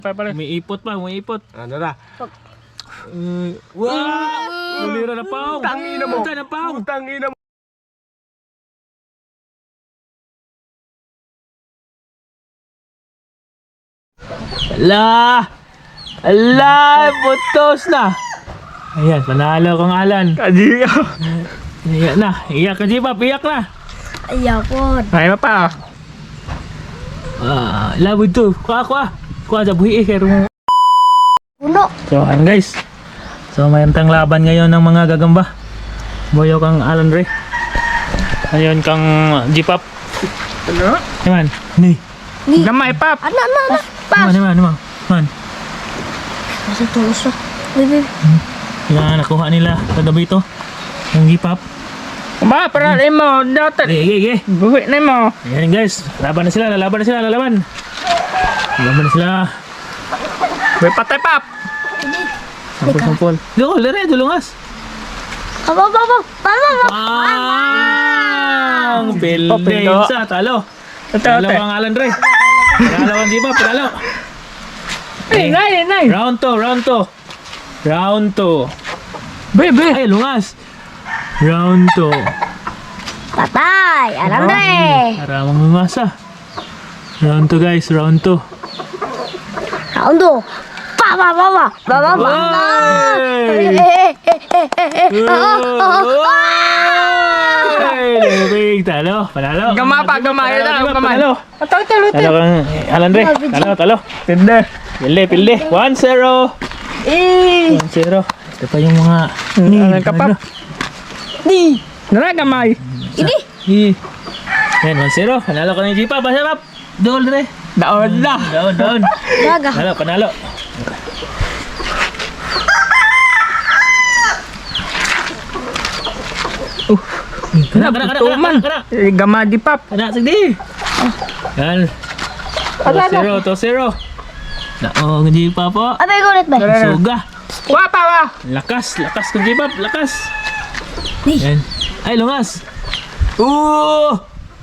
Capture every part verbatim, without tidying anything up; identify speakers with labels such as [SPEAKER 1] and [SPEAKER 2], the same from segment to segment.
[SPEAKER 1] May ipot pa, may ipot.
[SPEAKER 2] Ano na?
[SPEAKER 1] Uh, wow! Ulira na paong.
[SPEAKER 2] Tangina mo.
[SPEAKER 1] Puta na paong.
[SPEAKER 2] Tangina mo.
[SPEAKER 1] Ala! Ala! Putos na! Ayan, panalo kong Alan.
[SPEAKER 2] Kadi ka.
[SPEAKER 1] Iyak na. Iyak ka, Jipap. Iyak na.
[SPEAKER 3] Ayaw ko.
[SPEAKER 2] Ay, pa.
[SPEAKER 1] Ah, labo ito. Kuha, kuha. Kuha sa buhi eh. Kaya mo.
[SPEAKER 3] Puno.
[SPEAKER 1] So, ayan guys. So, mayroon tang laban ngayon ng mga gagamba. Boyo kang Alan Ray. Ayun kang Jipap.
[SPEAKER 2] Ano?
[SPEAKER 1] Naman. Ni.
[SPEAKER 2] Gamay, pap.
[SPEAKER 3] Ano, ano, ano?
[SPEAKER 1] Naman, naman, naman. Man.
[SPEAKER 3] Kasi tulos na. Baby.
[SPEAKER 1] Yan, nakuha nila kagabi ito. Yung Jipap.
[SPEAKER 2] Ma, para rin mo. Dapat.
[SPEAKER 1] Gige, gige.
[SPEAKER 2] Buhi na mo.
[SPEAKER 1] Ayan guys. Laban na sila. Lalaban na sila. Lalaban. Lalaban na sila.
[SPEAKER 2] May patay, pap.
[SPEAKER 1] Sampol-sampol. Dito, lere. Dulungas.
[SPEAKER 3] Aba, aba, aba. Aba, aba.
[SPEAKER 1] Ang
[SPEAKER 2] Pindo.
[SPEAKER 1] Pildensa. Talo.
[SPEAKER 2] Ito,
[SPEAKER 1] Talo
[SPEAKER 2] ito.
[SPEAKER 1] ang Alan Ray. Talo ang Jipap. Talo.
[SPEAKER 2] Ay, nay, nay.
[SPEAKER 1] Round two. Round two. Round two.
[SPEAKER 2] Bebe.
[SPEAKER 1] Ay, lungas. Round two.
[SPEAKER 3] Patay. Alam na eh.
[SPEAKER 1] Para mamamasa. Round two guys. Round two.
[SPEAKER 3] Raundo. Pa, pa, pa, pa. Pa, pa, pa.
[SPEAKER 1] Oy!
[SPEAKER 3] Eh, eh, eh, eh, eh, eh. Ah, ah, ah.
[SPEAKER 1] Ay, lumabig. Talo. Panalo.
[SPEAKER 2] Gama pa, gama. Ito,
[SPEAKER 1] Panalo,
[SPEAKER 2] gama.
[SPEAKER 1] Panalo.
[SPEAKER 2] Ito, ito, ito.
[SPEAKER 1] Talo kang eh, Alan Ray. Talo, talo.
[SPEAKER 2] Tinde.
[SPEAKER 1] Pilde, pilde. one zero.
[SPEAKER 2] Eh.
[SPEAKER 1] one zero. Ito pa yung mga...
[SPEAKER 2] Ano ka, pap?
[SPEAKER 3] Ni.
[SPEAKER 2] Nara, gamay.
[SPEAKER 3] Ini.
[SPEAKER 1] Hi. Yan, one zero. Panalo ka ng Jipa. Basta, pap. Doon, Ray.
[SPEAKER 2] Daon na.
[SPEAKER 1] Doon, doon.
[SPEAKER 3] Gaga.
[SPEAKER 1] Panalo, panalo. Kana, kana, kana,
[SPEAKER 2] Tuman.
[SPEAKER 1] kana, kana.
[SPEAKER 2] Eh, gama di, pap.
[SPEAKER 1] Kana, sige. Yan. two zero, two zero. Naong Jipa po.
[SPEAKER 3] Abay ko ulit ba?
[SPEAKER 1] Suga.
[SPEAKER 2] Wa, pa, wa.
[SPEAKER 1] Lakas, lakas kung Jipa. Lakas.
[SPEAKER 3] Ni.
[SPEAKER 1] Yan. Ay, lungas. Uh!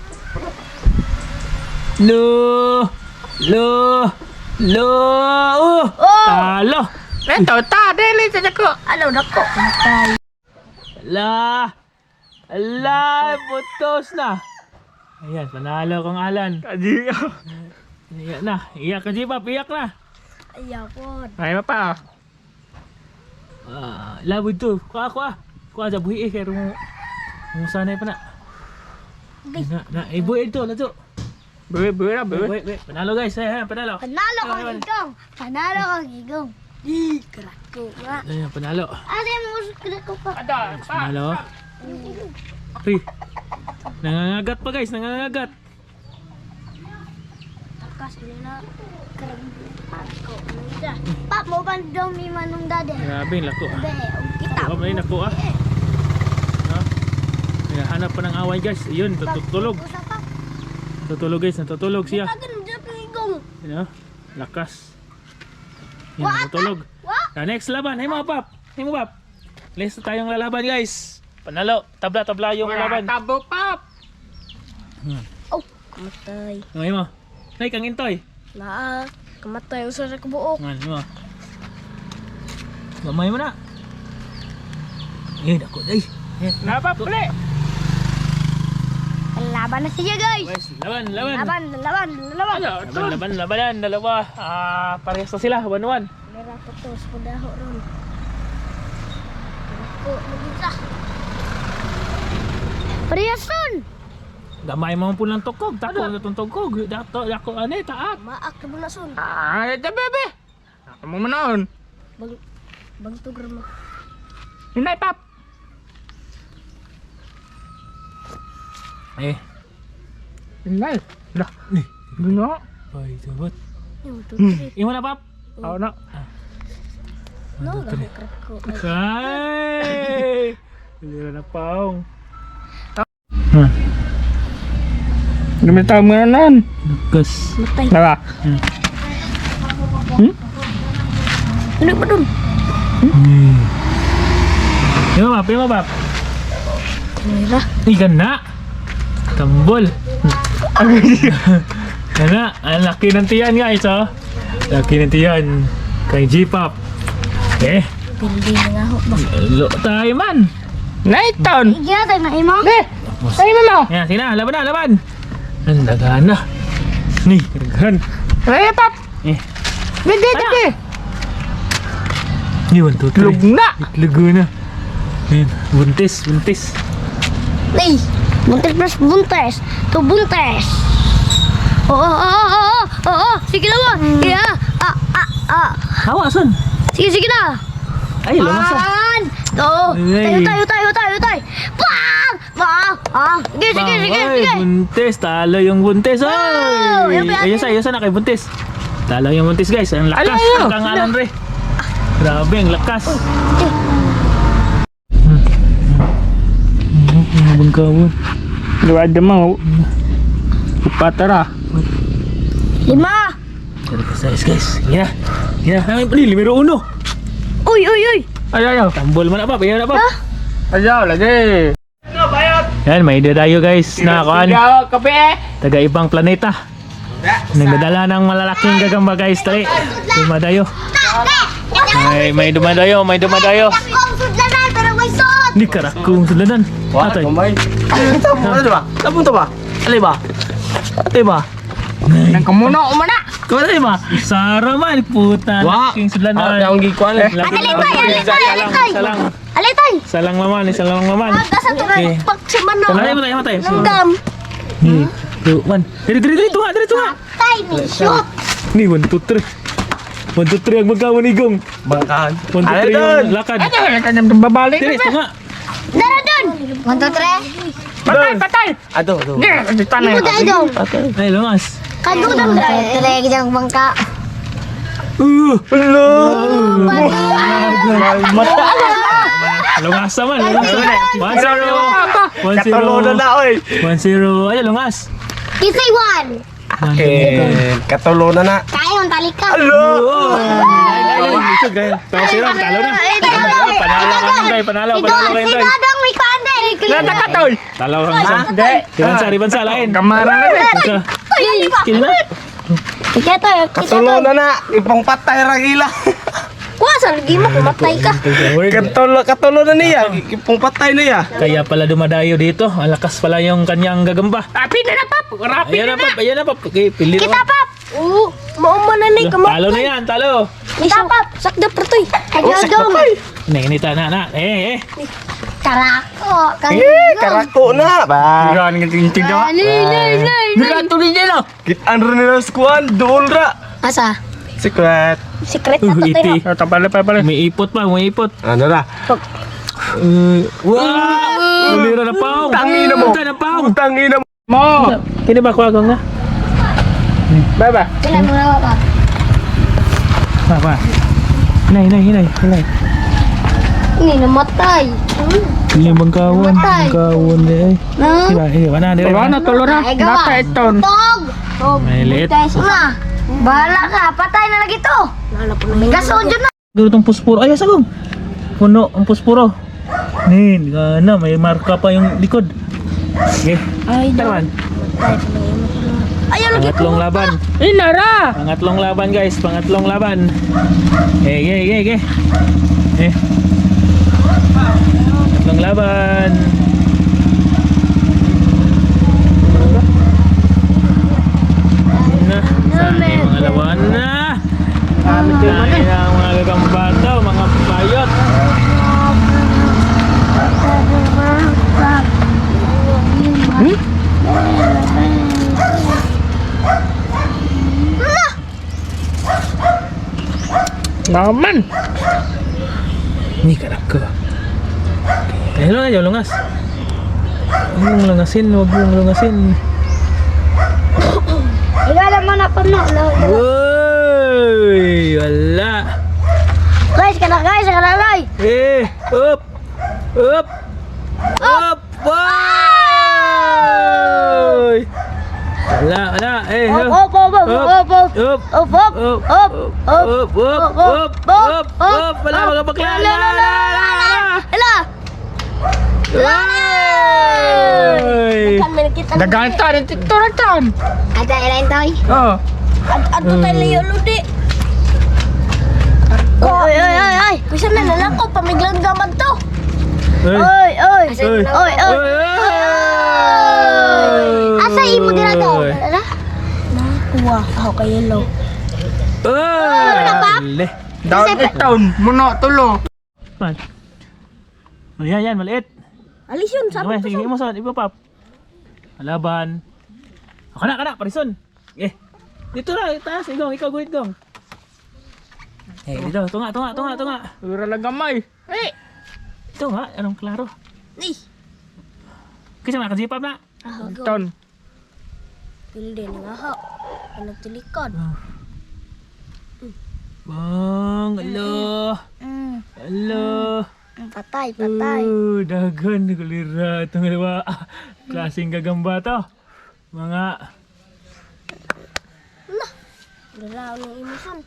[SPEAKER 1] Lo! Lo! Lo! Uh!
[SPEAKER 3] Oh.
[SPEAKER 1] Talo!
[SPEAKER 2] Ito, ta. Dili, sa ko.
[SPEAKER 3] Ano na ko? Patay.
[SPEAKER 1] Ala! Ala! Putos na! Ayan, panalo kong Alan.
[SPEAKER 2] Kadi ka.
[SPEAKER 1] Iyak na. Iyak ka, Jipap. Iyak na.
[SPEAKER 3] Ayaw ko.
[SPEAKER 2] Ay, pa.
[SPEAKER 1] Ah, labo ito. Kuha, kuha. Kuha sa buhi eh. Kaya mo... Mo sanay pa na. Na, na. Eh, buhi ito. Lato.
[SPEAKER 2] Buhi, buhi na, buhi.
[SPEAKER 1] Wait, wait. Panalo guys. Ayan, panalo.
[SPEAKER 3] Panalo ko
[SPEAKER 1] Ayan,
[SPEAKER 3] gigong. Panalo ko gigong. Ih, kerak ko nga.
[SPEAKER 1] Ayan, panalo.
[SPEAKER 3] Ada yang mau kerak ko pa.
[SPEAKER 2] Ada, pa.
[SPEAKER 1] Panalo. Uy. Nangangagat pa guys. Nangangagat.
[SPEAKER 3] Takas nila. Kerak ko. Udah. Pak mau bandong ni manung dade.
[SPEAKER 1] Grabe, lako ah.
[SPEAKER 3] Be, kita.
[SPEAKER 1] Oh, may nako ah. No? Kaya hanap pa ng away guys. Ayun, tutulog.
[SPEAKER 3] Usah pak.
[SPEAKER 1] Tutulog guys, natutulog siya.
[SPEAKER 3] Agan dia pinggung.
[SPEAKER 1] You know? Lakas. Yan, natutulog.
[SPEAKER 3] Wah.
[SPEAKER 1] Na next laban, hey mga pap. Hey mga pap. Lista tayong lalaban guys. Panalo, tabla-tabla yung laban.
[SPEAKER 2] Tabo, pap.
[SPEAKER 3] Oh, kamatay.
[SPEAKER 1] Ngayon mo. Nay, kang intoy.
[SPEAKER 3] Nah, kamatay usah sa kabuok.
[SPEAKER 1] Ngayon mo. Gamay mo na. Eh, dako day. Eh,
[SPEAKER 2] Napa, puli.
[SPEAKER 3] Laban na siya guys.
[SPEAKER 1] guys, laban, laban.
[SPEAKER 3] Laban, laban, laban.
[SPEAKER 1] Laban, laban, labanan, dalawa. Ah, parehas na sila, one-one.
[SPEAKER 3] Merah putus pedaho ron. Aku begitu. Periasan.
[SPEAKER 1] Gamay mo po ng tukog, tako na itong tukog. Dato, dako, ano eh, taak.
[SPEAKER 3] Maak ke bulasun.
[SPEAKER 2] Ah, ito, bebe. Ako mo manoon.
[SPEAKER 3] Bang bang tu germa.
[SPEAKER 2] Hinay, pap.
[SPEAKER 1] Eh,
[SPEAKER 2] Hinay. Dah.
[SPEAKER 1] nih.
[SPEAKER 2] Bunga.
[SPEAKER 1] Ay, sabat.
[SPEAKER 3] Yang tu.
[SPEAKER 1] Imo na, pap.
[SPEAKER 2] Ako na.
[SPEAKER 3] No, dah kereko.
[SPEAKER 1] Ay! Lira na paong.
[SPEAKER 2] Dumi tahu menganan.
[SPEAKER 1] Lakas.
[SPEAKER 3] Matai.
[SPEAKER 2] Napa?
[SPEAKER 3] Ini bedun.
[SPEAKER 1] Hmm. Imo, pap. Imo, pap.
[SPEAKER 3] Merah.
[SPEAKER 1] Ikan na. Tambol. Yan na. Ang laki ng tiyan guys, oh. Laki nanti yan. Kay G-Pop. Eh.
[SPEAKER 3] Pindi na nga ho ba?
[SPEAKER 1] Lo tayo man.
[SPEAKER 2] Naiton.
[SPEAKER 3] Igyatag na imo.
[SPEAKER 2] Eh, ay mo.
[SPEAKER 1] Yan, sina. Laban na, laban. Ang dagaan na. Ni, karagahan.
[SPEAKER 2] Ay, pap.
[SPEAKER 1] Eh.
[SPEAKER 2] Bindi, bindi.
[SPEAKER 1] Ni, one, two, three.
[SPEAKER 2] Lugna.
[SPEAKER 1] Lugo na. Yan, buntis, buntis.
[SPEAKER 3] Ay, buntes plus buntes. To buntes. Oo, oo, oo, oo, oo. Sige na mo. Yeah. Ah, ah, ah.
[SPEAKER 1] Hawasan.
[SPEAKER 3] Sige, sige na.
[SPEAKER 1] Ay, lumasan.
[SPEAKER 3] Pan! Oo.
[SPEAKER 1] Ay.
[SPEAKER 3] Tayo, tayo, tayo, tayo, tayo. Pang! Ah, ah. Sige, sige, sige,
[SPEAKER 1] Ay,
[SPEAKER 3] sige.
[SPEAKER 1] buntis. Talo yung buntis.
[SPEAKER 3] Wow!
[SPEAKER 1] Ay!
[SPEAKER 3] Yan ba yan?
[SPEAKER 1] Ayun sa, ayun sa na kay buntis. Talo yung buntis guys. Ang lakas.
[SPEAKER 2] Ay, ay, ay.
[SPEAKER 1] Ang kangalan re. Grabe, ang lakas.
[SPEAKER 3] Eh,
[SPEAKER 1] Ang bangkawon.
[SPEAKER 2] Luwad mo. Upatara.
[SPEAKER 3] Lima.
[SPEAKER 1] Dari guys, guys. Ya. Ya, namin pali numero uno.
[SPEAKER 3] Uy, uy, uy.
[SPEAKER 2] Ay, ay, ay.
[SPEAKER 1] Tambol man apa, bayan apa?
[SPEAKER 2] Ayaw, lagi.
[SPEAKER 1] Yan, may dadayo guys na kuan.
[SPEAKER 2] Ayaw, kape eh.
[SPEAKER 1] Taga ibang planeta. Nagdadala ng malalaking gagamba guys, tali. Dumadayo. May may dumadayo, may dumadayo.
[SPEAKER 3] Kung sudlanan, pero may sud.
[SPEAKER 1] Ni karakong sulanan. Atay.
[SPEAKER 4] Ano ba? Napunta ba? Alay ba? Alay ba?
[SPEAKER 2] Nang kamuno, umana.
[SPEAKER 4] Alay ba?
[SPEAKER 1] Sara man puta.
[SPEAKER 4] Wa.
[SPEAKER 1] King
[SPEAKER 4] Ah,
[SPEAKER 1] sulanan.
[SPEAKER 4] yung gikuan eh.
[SPEAKER 3] Alay tayo, alay tayo, alay tayo.
[SPEAKER 1] Salang.
[SPEAKER 3] Alay tayo.
[SPEAKER 1] Salang laman, salang laman.
[SPEAKER 3] Agasa to
[SPEAKER 1] Okay.
[SPEAKER 3] na pagsiman no.
[SPEAKER 1] Matay, matay, matay.
[SPEAKER 3] Langgam.
[SPEAKER 1] Ni, two, one. Diri, diri, diri, tunga, diri, tunga.
[SPEAKER 3] Tay, ni shoot.
[SPEAKER 1] Ni, one, two, three. One, two, three ang magkawon ni Gong.
[SPEAKER 4] Bangkahan.
[SPEAKER 1] One, two,
[SPEAKER 4] Alay
[SPEAKER 1] three
[SPEAKER 4] doon.
[SPEAKER 1] yung lakad.
[SPEAKER 2] Ano, kanyang babalik.
[SPEAKER 1] Diri, tunga.
[SPEAKER 3] Dara dun. One, two, three.
[SPEAKER 2] Patay, patay.
[SPEAKER 4] Ato, ato.
[SPEAKER 2] Hindi, dito na.
[SPEAKER 3] Imo tayo dong.
[SPEAKER 1] Ay, lungas.
[SPEAKER 3] Kadudang dre gyang bangka.
[SPEAKER 1] Uh,
[SPEAKER 4] Hello.
[SPEAKER 1] mata. Lungas naman, lungas naman. One, zero. One, zero.
[SPEAKER 4] Katulo na na, oy.
[SPEAKER 1] One, zero. Ay, lungas.
[SPEAKER 3] Kisay one.
[SPEAKER 1] One,
[SPEAKER 4] Eh, katulo na na.
[SPEAKER 3] Kaya ang talika.
[SPEAKER 4] Hello.
[SPEAKER 1] Tao sila, talo na. Panalo ka ng day, panalo, panalo ka ng
[SPEAKER 3] Si
[SPEAKER 1] day.
[SPEAKER 3] Dadang may kande.
[SPEAKER 2] Nada ka, tol.
[SPEAKER 1] Talo ka ng isa.
[SPEAKER 4] Hindi.
[SPEAKER 1] Ribansa, ribansa, lain.
[SPEAKER 2] Kamara na rin.
[SPEAKER 1] Ika,
[SPEAKER 3] Ay,
[SPEAKER 1] kini na.
[SPEAKER 3] Kita to, kita
[SPEAKER 4] Katulo
[SPEAKER 3] to.
[SPEAKER 4] na na. Ipang patay ra ila.
[SPEAKER 3] Kuasa lagi mo kumatay ka.
[SPEAKER 4] Katulo, katulo na niya. Ipang patay na ya.
[SPEAKER 1] Kaya pala dumadayo dito. Ang lakas pala yung kanyang gagamba.
[SPEAKER 2] Rapi na na, pap. Rapi
[SPEAKER 1] Ayan
[SPEAKER 2] na
[SPEAKER 1] na, pap. Ayan na, pap. Okay, pili
[SPEAKER 3] Kita
[SPEAKER 1] naman.
[SPEAKER 3] pap. Oo, mao man ni
[SPEAKER 1] Talo na yan, talo.
[SPEAKER 3] Kita pap, sakda pertoy. Ayo dong.
[SPEAKER 1] Nih, ini tanah, nak. Eh, eh.
[SPEAKER 3] Karako, kan.
[SPEAKER 4] Eh, karako na. Ba.
[SPEAKER 2] Yan, ngayon tingnan.
[SPEAKER 3] Nay, nay, nay.
[SPEAKER 2] Bilang tuloy niya na.
[SPEAKER 4] Kitaan rin nila skuan. Doon ra.
[SPEAKER 3] Asa?
[SPEAKER 4] Secret.
[SPEAKER 3] Secret
[SPEAKER 1] Uh,
[SPEAKER 3] na to
[SPEAKER 1] iti.
[SPEAKER 3] tayo.
[SPEAKER 2] Tapala pa pala.
[SPEAKER 1] May ipot pa, may ipot.
[SPEAKER 4] Ano na?
[SPEAKER 1] Uh, wah! Ulira na paong.
[SPEAKER 4] Tangina mo.
[SPEAKER 1] Punta na paong.
[SPEAKER 4] Tangina mo.
[SPEAKER 2] Mo.
[SPEAKER 1] Kini ba kuha na?
[SPEAKER 2] Baba.
[SPEAKER 3] Kailan mo na ba?
[SPEAKER 1] Pa, pa. Hinay, hinay, hinay, hinay.
[SPEAKER 3] Ini namatay.
[SPEAKER 1] Ini bangkawan,
[SPEAKER 3] Matay.
[SPEAKER 1] bangkawan eh.
[SPEAKER 3] Na?
[SPEAKER 1] Diba, ini mana dia?
[SPEAKER 2] Diba na, tulo na.
[SPEAKER 3] Ay, gawa.
[SPEAKER 2] Nasa iton.
[SPEAKER 3] Tog. Tog.
[SPEAKER 1] May liit.
[SPEAKER 3] Ma, bahala ka. Patay na lagi to. May gasod yun na.
[SPEAKER 1] Dulu tong puspuro. Ay, sagong. Puno ang puspuro. Nin, gana, may marka pa yung likod. Okay.
[SPEAKER 3] Ay,
[SPEAKER 1] Tawan.
[SPEAKER 3] Ayaw lagi ko.
[SPEAKER 1] Pangatlong laban.
[SPEAKER 2] Inara.
[SPEAKER 1] Pangatlong laban guys, pangatlong laban. Eh, eh, eh, eh. Eh. Pangatlong laban. Na, sana yung mga laban na. Sana yung mga gagambato, mga bayot.
[SPEAKER 2] Naman.
[SPEAKER 1] Ni karako. Eh, lo aja lungas. Huwag mong lungasin, huwag mong lungasin.
[SPEAKER 3] Ikaw naman na puno.
[SPEAKER 1] Uy, wala.
[SPEAKER 3] Guys, kana guys, kana guys.
[SPEAKER 1] Eh, up, up, up, wow! Wala, wala, eh,
[SPEAKER 3] Op, op, op, op, op, op.
[SPEAKER 1] up,
[SPEAKER 3] Op, op,
[SPEAKER 1] up,
[SPEAKER 3] op,
[SPEAKER 1] up,
[SPEAKER 3] op,
[SPEAKER 1] up, up, up, up, wala, mga bakla, la, la, la, la,
[SPEAKER 3] Ala.
[SPEAKER 1] Uy!
[SPEAKER 3] Kan men kita.
[SPEAKER 2] Dagan ta, rin tikto na tan.
[SPEAKER 3] Ada lain toy.
[SPEAKER 2] Oh.
[SPEAKER 3] Ato tayo layo ludi. Alisyon na lalako, pamiglang gamad to.
[SPEAKER 1] Oy.
[SPEAKER 3] Oy, oy,
[SPEAKER 1] Oy.
[SPEAKER 3] oy, oy. Asa imo dira daw?
[SPEAKER 1] Oy.
[SPEAKER 3] Dala? Nakuha ako kay yellow.
[SPEAKER 1] Oy. Le.
[SPEAKER 2] Daon itaon. Muno tulo.
[SPEAKER 1] Man. Oh, yan, yan, maliit.
[SPEAKER 3] Alisyon, sabi
[SPEAKER 1] Sige,
[SPEAKER 3] ko
[SPEAKER 1] sige, mo son, iba pap. Alaban. Ako na, kana, parison. Eh. Dito na, taas, igong, ikaw guhit gong. Eh, dito, tunga, tunga, tunga, tunga.
[SPEAKER 2] Ura lang gamay. Eh.
[SPEAKER 1] Ito nga, anong klaro.
[SPEAKER 3] Ni.
[SPEAKER 1] Kasi mga kajipap na.
[SPEAKER 3] Ah, go.
[SPEAKER 2] Itaon.
[SPEAKER 3] Pilde nga ho. Ano tilikod?
[SPEAKER 1] Bang, alo.
[SPEAKER 3] Mm.
[SPEAKER 1] Alo.
[SPEAKER 3] Patay, patay.
[SPEAKER 1] Uh, dagan, kulira. Itong dalawa. Ah, klaseng gagamba to. Mga,
[SPEAKER 3] Dalaw ng imusan.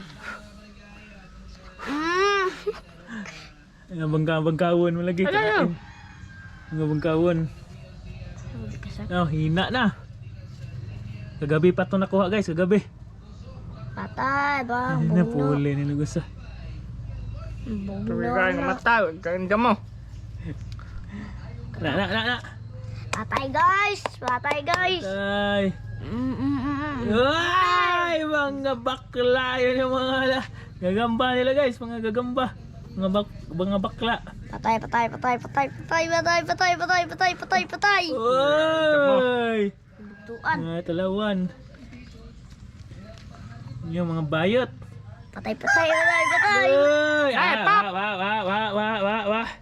[SPEAKER 3] Mm.
[SPEAKER 1] mga bangka-bangkawon mo lagi.
[SPEAKER 2] Ano yun?
[SPEAKER 1] Mga bangkawon. Oh, hina na. Kagabi pa ito nakuha guys, kagabi.
[SPEAKER 3] Patay, bang.
[SPEAKER 1] Ano na,
[SPEAKER 3] Bugno.
[SPEAKER 1] puli na nagusa.
[SPEAKER 3] Bugno
[SPEAKER 2] Tura nga
[SPEAKER 3] na.
[SPEAKER 2] mata. Ganda mo.
[SPEAKER 1] Na, na, na, na.
[SPEAKER 3] Patay guys! Patay guys!
[SPEAKER 1] Ay.
[SPEAKER 3] Mm, mm, mm, mm.
[SPEAKER 1] Ay, mga bakla. Yun yung mga gagamba nila guys, mga gagamba. Mga bak mga bakla.
[SPEAKER 3] Patay, patay, patay, patay, patay, patay, patay, patay, patay, patay, patay.
[SPEAKER 1] Oy!
[SPEAKER 3] Bugtuan.
[SPEAKER 1] Mga talawan. Yung mga bayot.
[SPEAKER 3] Patay, patay, patay, patay.
[SPEAKER 1] Oy! Ah, wa, wa, wa, wa, wa, wa, wa.